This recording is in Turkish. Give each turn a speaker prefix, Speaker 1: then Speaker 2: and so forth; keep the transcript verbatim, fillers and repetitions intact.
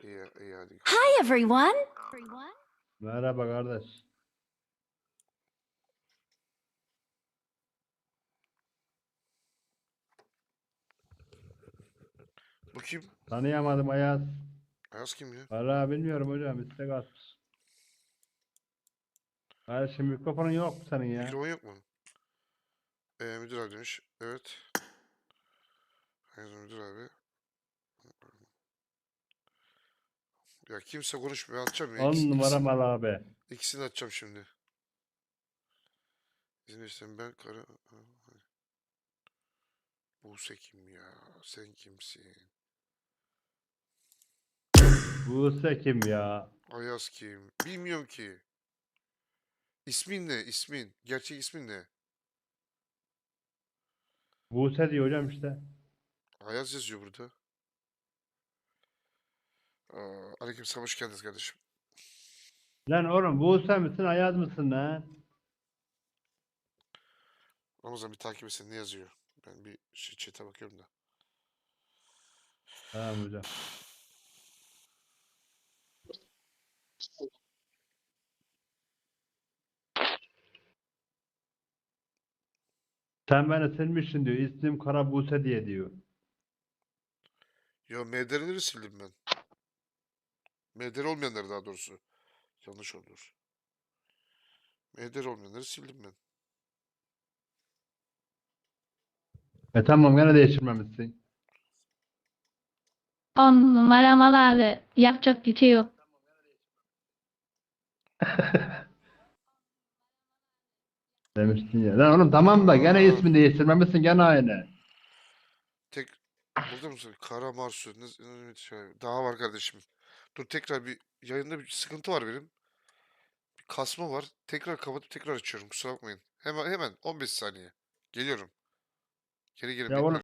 Speaker 1: İyi, iyi hadi.
Speaker 2: Hi everyone.
Speaker 3: Merhaba kardeş.
Speaker 1: Bu kim?
Speaker 3: Tanıyamadım Ayaz.
Speaker 1: Ayaz kim ya?
Speaker 3: Vallahi bilmiyorum hocam. İstek atmış. Kardeşim mikrofonun yok mu senin ya?
Speaker 1: Mikrofon yok mu? Ee, müdür abi demiş. Evet. Ayaz müdür abi. Ya kimse konuşmuyor. Atacağım ya.
Speaker 3: On
Speaker 1: İkisi,
Speaker 3: numara
Speaker 1: ikisini,
Speaker 3: mal abi.
Speaker 1: ikisini atacağım şimdi. İzin verirsen ben kara... Buse kim ya? Sen kimsin?
Speaker 3: Buse kim ya?
Speaker 1: Ayaz kim? Bilmiyorum ki. İsmin ne? İsmin. Gerçek ismin ne?
Speaker 3: Buse diyor hocam işte.
Speaker 1: Ayaz yazıyor burada. Aa, aleykümselam, hoş geldiniz kardeşim.
Speaker 3: Lan oğlum Buse misin Ayaz mısın lan?
Speaker 1: Ramazan bir takip etsin, ne yazıyor? Ben bir şey chat'e bakıyorum da.
Speaker 3: Tamam hocam. Sen beni silmişsin diyor. İsmim Kara Buse diye diyor.
Speaker 1: Ya M D R'leri sildim ben. M D R olmayanları daha doğrusu. Yanlış olur. M D R olmayanları sildim ben.
Speaker 3: E tamam gene değiştirmemişsin.
Speaker 4: On numara mal abi. Yapacak bir şey yok.
Speaker 3: Demiştin ya. Lan oğlum tamam da gene
Speaker 1: Aa.
Speaker 3: ismini değiştirmemişsin gene aynı.
Speaker 1: Tek burada mısın? Kara Marsu. Ne, ne- şey- daha var kardeşim. Dur, tekrar bir yayında bir sıkıntı var benim. Bir kasma var. Tekrar kapatıp tekrar açıyorum. Kusura bakmayın. Hemen hemen on beş saniye. Geliyorum. Geri gelin,
Speaker 3: Ya oğlum
Speaker 1: bekliyorum.